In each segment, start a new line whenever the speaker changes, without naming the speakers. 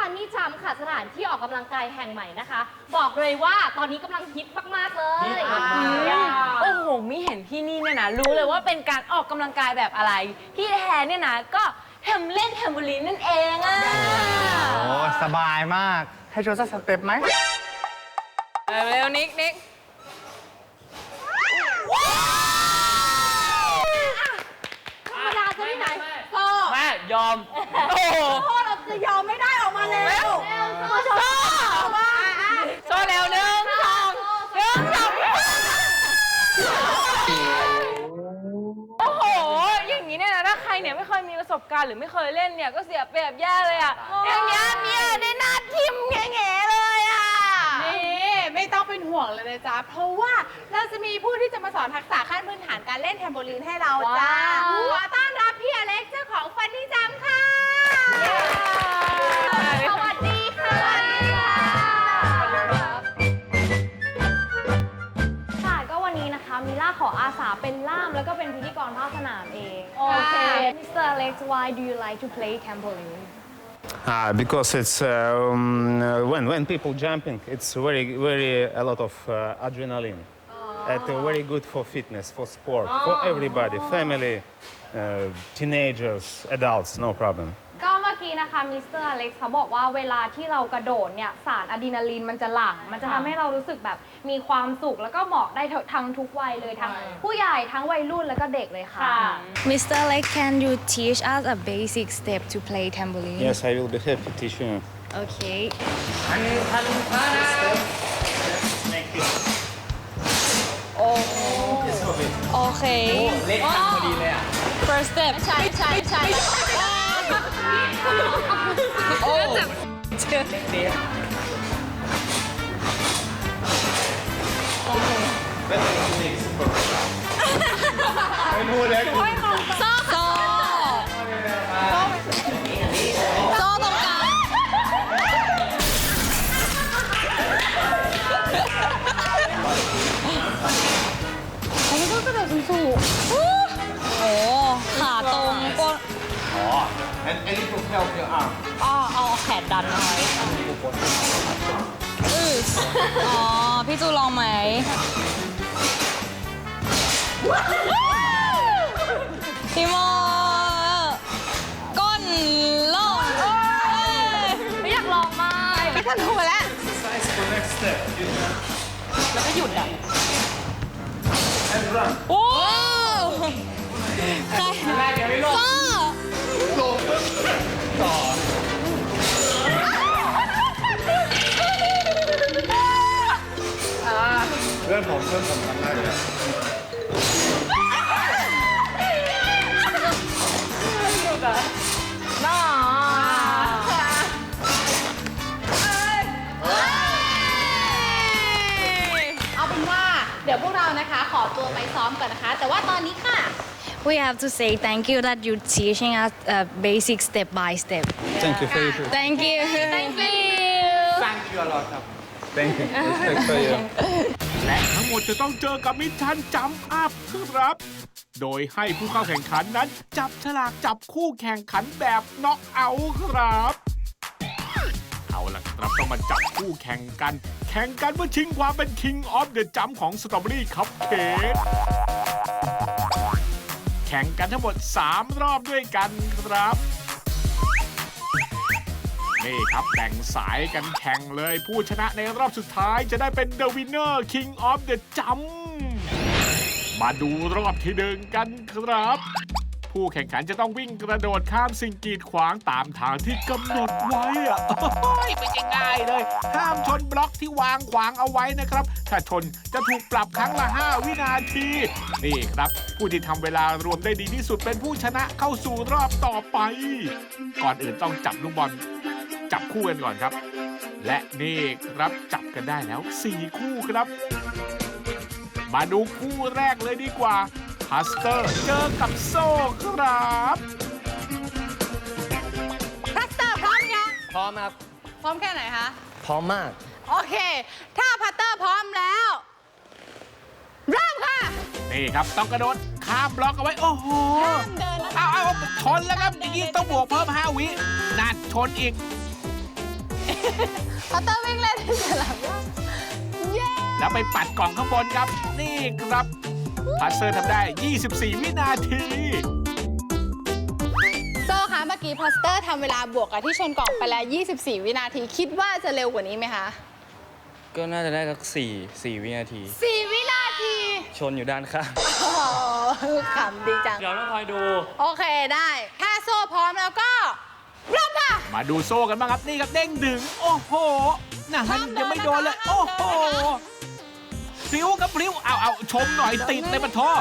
ฟันนี่จัมค่ะสถานที่ออกกำลังกายแห่งใหม่นะคะ บอกเลยว่าตอนนี้กำลังฮิตมากๆเลย
โอ้โหมิเห็นที่นี่เนี่ยนะรู้เลยว่าเป็นการออกกำลังกายแบบอะไรที่แท้เนี่ยนะก็เล่นแทมโบลีนนั่นเองอ่ะ
โอ้สบายมากให้โชว์สักสเต็ปไหม
เร็วนิก
ธรรมดาจะที่ไหนพ่อ
แม่ยอมโอ้โห
พ่อเราจะยอมไม่ได้ออกมาแล้วพ่อโชว์
โชว์เร็ว1 2 1 2โอ้โหอย่างนี้เนี่ยนะถ้าใครเนี่ยไม่เคยมีประสบการณ์หรือไม่เคยเล่นเนี่ยก็เสียเปรียบแย่เลยอ่ะอย่างเงี้ยเนี่ยได้หน้าทิมแง่ๆเลยอ่ะ
นี่ไม่ต้องเป็นห่วงเลยนะจ๊ะ เพราะว่าเราจะมีผู้ที่จะมาสอนทักษะขั้นพื้นฐานการเล่นแทมโบลีนให้เราจ้าขอต้อนรับพี่อเล็กซ์เจ้าของฟันนี่จัมค่ะสวัสดีค่ะ
ค่ะก็วันนี้นะคะมิล่าขออาสาเป็นล่ามแล้วก็เป็นพิธีกรภาคสนามเองโอเค Mr. Alex why do you like to play trampoline
Because it's when people jumping, it's very a lot of adrenaline. It's very good for fitness, for sport, for everybody, family, teenagers, adults, no problem.
ก็เมื่อกี้นะคะมิสเตอร์อเล็กซ์เขาบอกว่าเวลาที่เรากระโดดเนี่ยสารอะดรีนาลีนมันจะหลั่งมันจะทำให้เรารู้สึกแบบมีความสุขแล้วก็เหมาะได้ทั้งทุกวัยเลยทั้งผู้ใหญ่ทั้งวัยรุ่นแล้วก็เด็กเลยค่ะ
Mr. Alex, can you teach us a basic step to play trampoline?
Yes, I will be happy to teach you.
Okay.
โอเคเล็กพอดีเลยอ่ะ first step
ใช่
โอ้เจอ
ไม่พูดเลย
โซ่ตรงกลางอันนี้ก็กระโดดสูงๆโอ้ขาตรงก็
อันนี้ถูก help your arm
เอาแขนดันเอาไว้อ๋อ พี่จูลองไหม พี่โมก้นลงไม่อยากลองมากไม่ทันรู้แล้ว
Exercise for next step.
แล้วก็หยุดอ่ะ
And run.
โอ้ใครพ่อ
เพื่อนผมทำได้เลย
น้า
เอาเป็นว่าเดี๋ยวพวกเรานะคะขอตัวไปซ้อมก่อนนะคะ แต่ว่าตอนนี้ค่ะ
We have to say thank you that you're teaching us a basic step by step.
Thank you for you.
Thank you.
thank you
Thank you a lot ครับ
Thank you. Respect for you.
และทั้งหมดจะต้องเจอกับมิชชั่นจัมป์อัพครับ โดยให้ผู้เข้าแข่งขันนั้นจับฉลากจับคู่แข่งขันแบบน็อกเอาท์ครับ เอาล่ะครับต้องมาจับคู่แข่งกันเพื่อชิงความเป็น King of the Jump ของสตรอเบอรี่คัพเค้กแข่งกันทั้งหมด3รอบด้วยกันครับ นี่ครับแบ่งสายกันแข่งเลยผู้ชนะในรอบสุดท้ายจะได้เป็น The Winner King of the Jump มาดูรอบที่1กันครับ ผู้แข่งขันจะต้องวิ่งกระโดดข้ามสิ่งกีดขวางตามทางที่กำหนดไว้อะไม่ใช่ง่ายเลยห้ามชนบล็อกที่วางขวางเอาไว้นะครับถ้าชนจะถูกปรับครั้งละ5 วินาทีนี่ครับผู้ที่ทำเวลารวมได้ดีที่สุดเป็นผู้ชนะเข้าสู่รอบต่อไปก่อนอื่นต้องจับลูกบอลจับคู่กันก่อนครับและนี่ครับจับกันได้แล้ว4คู่ครับมาดูคู่แรกเลยดีกว่าพัสเตอร์เจอกับโซ่ครับ
พัสเตอร์พร้อมยัง
พร้อมครับ
พร้อมแค่ไหนคะ
พร้อมมาก
โอเค ถ้าพัตเตอร์พร้อมแล้ว เริ่มค่ะ
นี่ครับต้องกระโดดข้ามบล็อกเอาไว้ โอ้โห
ห้ามเดินนะคะ
เอาชนแล้วครับอย่างนี้ต้องบวกเพิ่ม5 วินั่นชนอีก
พัตเตอร์วิ่งเล่นที่สนามหญ้าเย้
แล้วไปปัดกล่องข้างบนครับ นี่ครับพัสเซอร์ทำได้ 24 วินาที
โซ่คะเมื่อกี้พัสเตอร์ทำเวลาบวกกับที่ชนกล่องไปแล้ว 24 วินาที คิดว่าจะเร็วกว่านี้ไหมคะ
ก็น่าจะได้สัก4 วินาที
4 วินาที
ชนอยู่ด้านข้าง
โอ้โหขำดีจัง
เดี๋ยวต้องคอยดู
โอเคได้ ถ้าโซ่พร้อมแล้วก็เริ่มค่ะ
มาดูโซ่กันบ้างครับ นี่ครับเด้งดึง โอ้โหนะฮะยังไม่โดนเลย โอ้โหพริ้วครับพริ้วเอาชมหน่อยติดในปะท้อ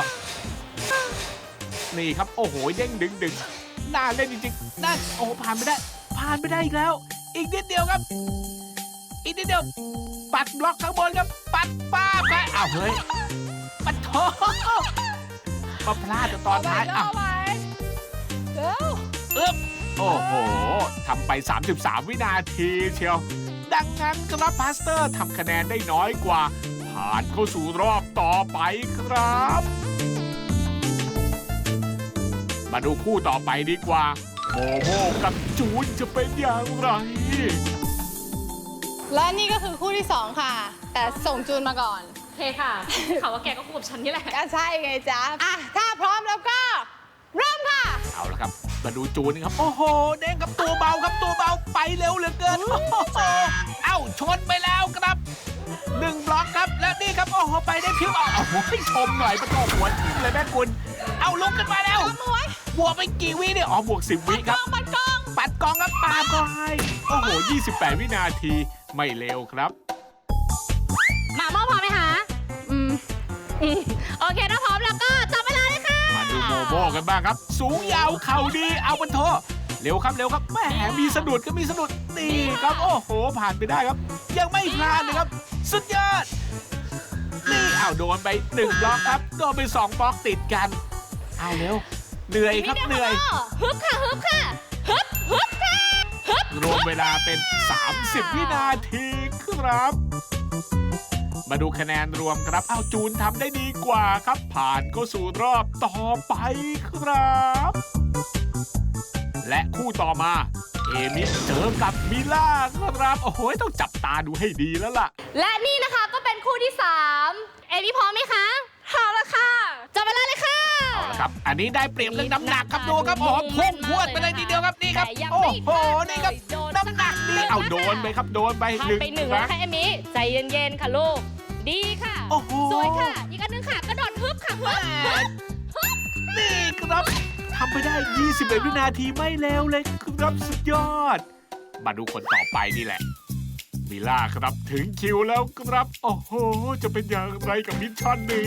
นี่ครับ โอ้โหเด้งดึงน่าเล่นจริงๆน่าโอ้โหผ่านไม่ได้อีกแล้ว อีกนิดเดียวครับ อีกนิดเดียว ปัดบล็อกข้างบนครับ ปัดป้าบไปอ้าวเฮ้ยปะท้อมาพลาดตอนท้ายอ้าว
เร็ว
อึ๊บโอ้โห ทำไป 33 วินาทีเชียว ดังนั้นครับพาสเตอร์ทำคะแนนได้น้อยกว่า ผ่านเข้าสู่รอบต่อไปครับ มาดูคู่ต่อไปดีกว่า โมโมกับจูนจะเป็นอย่างไร
และนี่ก็คือคู่ที่ 2 ค่ะ แต่ส่งจูนมาก่อน
โอเคค่ะข่าวว่าแกก็คู่กับฉันนี่แหละ
ก็ใช่ไงจ๊ะ อ่ะ ถ้าพร้อมแล้วก็ เริ่มค่ะ
เอาละครับ มาดูจูนครับ โอ้โห เด้งกับตัวเบาครับตัวเบาไปเร็วเหลือเกิน โอ้โห เอ้าชนไปแล้วครับ1 บล็อกครับ และนี่ครับ โอ้โห ไปได้พิ้วเอาโอ้โหชมหน่อยประตูหัวทิ่มเลยแม่คุณ เอาลุกขึ้นมาแล้ว บวกไปกี่วิเนี่ย อ๋อ บวก 10 วิครับ ปัดกองครับปาก็ให้ โอ้โห 28 วินาที ไม่เร็วครับ
มาม่าพร้อมไหมคะโอเคถ้าพร้อมแล้วก็จับเวลาเลยค่ะ
มาดูโมโมกันบ้างครับ สูงยาวเข่าดี เอาบนโทเร็วครับแหมมีสะดุดก็มีสะดุดนี่ครับ โอ้โห ผ่านไปได้ครับ ยังไม่พลาดเลยครับ สุดยอด นี่เอาโดนไป1 บล็อกครับ โดนไป2 บล็อกติดกัน เอาเร็ว เหนื่อยครับเหนื่อย
ฮึบค่ะค่ะ
รวมเวลาเป็น 30 วินาทีครับ มาดูคะแนนรวมครับ เอาจูนทำได้ดีกว่าครับ ผ่านเข้าสู่รอบต่อไปครับ และคู่ต่อมา เอมิเจอกับมิล่าครับ โอ้โห ต้องจับตาดูให้ดีแล้วล่ะ
และนี่นะคะก็เป็นคู่ที่ 3 เอมี่พร้อมไหมคะพร้อมแล้วค่ะจับเวลาเลยค่ะ
เอาละครับ อันนี้ได้เปรียบเรื่องน้ำหนักครับดูครับผมพุ่งพรวดไปเลยทีเดียวครับนี่ครับ โอ้โห นี่ครับ น้ำหนักดีเอาโดนไปครับโดนไป
ผ่านไปหนึ่งแล้วค่ะเอมี่ใจเย็นๆค่ะลูกดีค่ะ
โอ้โห
สวยค่ะอีกอันหนึงค่ะกระโดดฮึบค่ะฮึบ
นี่ครับทำไปได้ 21 วินาทีไม่เร็วเลยครับสุดยอด มาดูคนต่อไปนี่แหละ มิล่าครับถึงคิวแล้วครับ โอ้โห จะเป็นอย่างไรกับมิชชั่นนี้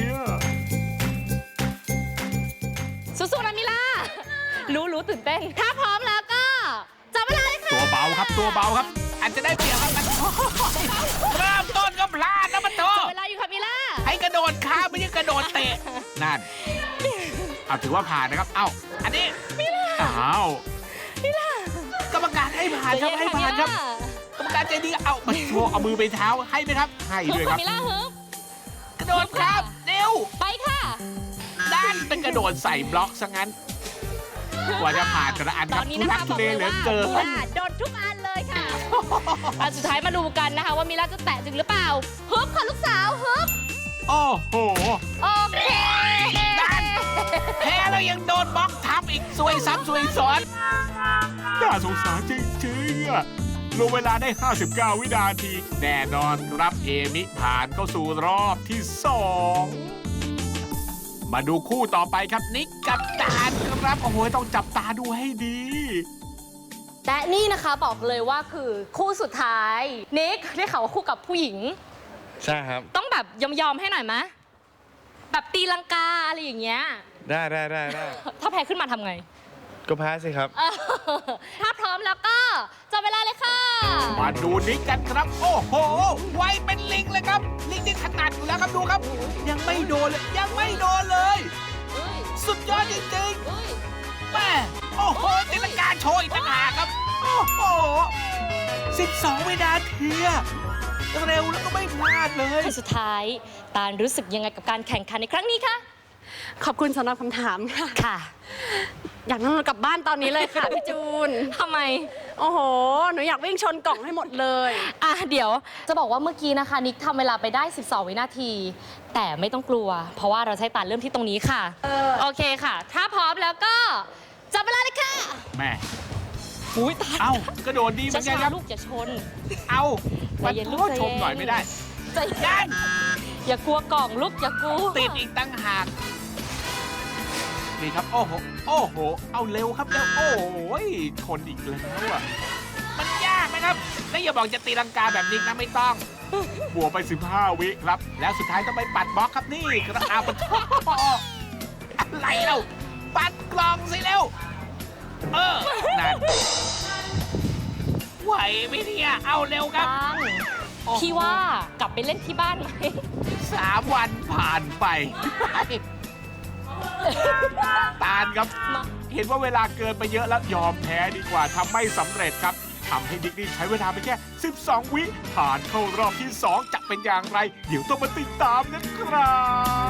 สู้ๆนะมิล่ารู้ตื่นเต้นถ้าพร้อมแล้วก็จับเวลาเลยค่ะ
ตัวเบาครับตัวเบาครับ อาจจะได้เปรียบครับเริ่มต้นก็พลาดนะมันโต
จับเวลาอยู่ค่ะมิล่า
ให้กระโดดข้ามไม่ใช่กระโดดเตะนั่นเอาถือว่าผ่านนะครับ เอ้าอันนี้อ้าวกรรมการให้ผ่านครับให้ผ่านครับ กรรมการใจดีเอามาโชว์เอามือไปเท้าให้ไหมครับให้ด้วยครับ
มิล่าฮึบ
กระโดดครับเร็ว
ไปค่ะ
ด้านเป็นกระโดดใส่บล็อกซะงั้น กว่าจะผ่านแต่ละอัน
ต
ค
อ
รับ
นนี้
ทุ
นะ
ลั
คะ
ก
บ
ทุ
อก
เล
เลย
เหลือ
ว่า
เกิน
มิล่าโดนทุกอันเลยค่ะอันสุดท้ายมาดูกันนะคะว่ามิล่าจะแตะถึงหรือเปล่าฮึบค่ะลูกสาวฮึบ
โอ้โห
โอเค
ด้านแพ้แล้วยังโดนบล็อกทับอีกซวยซ้ำซวยซ้อนน่าสงสารจริงๆอะรวมเวลาได้ 59 วินาที แน่นอนครับเอมิผ่านเข้าสู่รอบที่ 2 มาดูคู่ต่อไปครับนิกกับดานครับ โอ้โห ต้องจับตาดูให้ดี
และนี่นะคะบอกเลยว่าคือคู่สุดท้ายนิกได้ข่าวว่าคู่กับผู้หญิง
ใช่ครับ
ต้องแบบยอมให้หน่อยมะแบบตีลังกาอะไรอย่างเงี้ย
ได้
ถ้าแพ้ขึ้นมาทำไง
ก็แพ้สิครับ
ถ้าพร้อมแล้วก็จับเวลาเลยค่ะ
มาดูนิกกันครับ โอ้โห ไวเป็นลิงเลยครับ ลิงนี่ขนาดอยู่แล้วครับดูครับ ยังไม่โดนเลย ยังไม่โดนเลย สุดยอดจริงๆแม่โอ้โหตีลังกาโชว์อีกต่างหากครับ โอ้โห 12 วินาทีเร็วแล้วก็ไม่พลาดเลย
คนสุดท้ายตาลรู้สึกยังไงกับการแข่งขันในครั้งนี้คะ
ขอบคุณสำหรับคำถามค่ะ
ค่ะ
อยากนั่งรถกลับบ้านตอนนี้เลยค่ะ พี่จูน
ทำไม
โอ้โห หนูอยากวิ่งชนกล่องให้หมดเลย
อ่ะเดี๋ยวจะบอกว่าเมื่อกี้นะคะนิกทำเวลาไปได้ 12 วินาที แต่ไม่ต้องกลัว เพราะว่าเราใช้ตาเริ่มที่ตรงนี้ค่ะ โอเคค่ะ ถ้าพร้อมแล้วก็จับเวลาเลยค่ะ
แม่
อุ้ยตาย
เอ้ากระโดดดีเหมือนกันค
ช้า
รับ
ๆลูกอย่าชน
เอา
ใจเย็นลูก
โทษ
ใจ
ช
เย็
ม
น
หน่อยไม่ได้
ใจเย็นอย่ากลัวกล่องลูกอย่ากลัว
ติดอีกตั้งหากนี่ครับ โอ้โห โอ้โห เอาเร็วครับเร็ว โอ้โหชนอีกแล้วอ่ะ มันยากนะครับ แล้วอย่าบอกจะตีลังกาแบบนี้นะไม่ต้อง บวกไป 15 วิครับ แล้วสุดท้ายต้องไปปัดบล็อกครับนี่กระอาบอะไรเราปัดกล่องสิเร็ว นั่นไหวไหมเนี่ย เอาเร็วครับ
ตัง
โอ้โห
พี่ว่ากลับไปเล่นที่บ้านไหม
3 วันผ่านไป ตาลครับ เห็นว่าเวลาเกินไปเยอะแล้วยอมแพ้ดีกว่าทำไม่สำเร็จครับทำให้ดิกนี่ใช้เวลาไปแค่ 12 วิผ่านเข้ารอบที่ 2 จะเป็นอย่างไร เดี๋ยวต้องมาติดตามนะครับ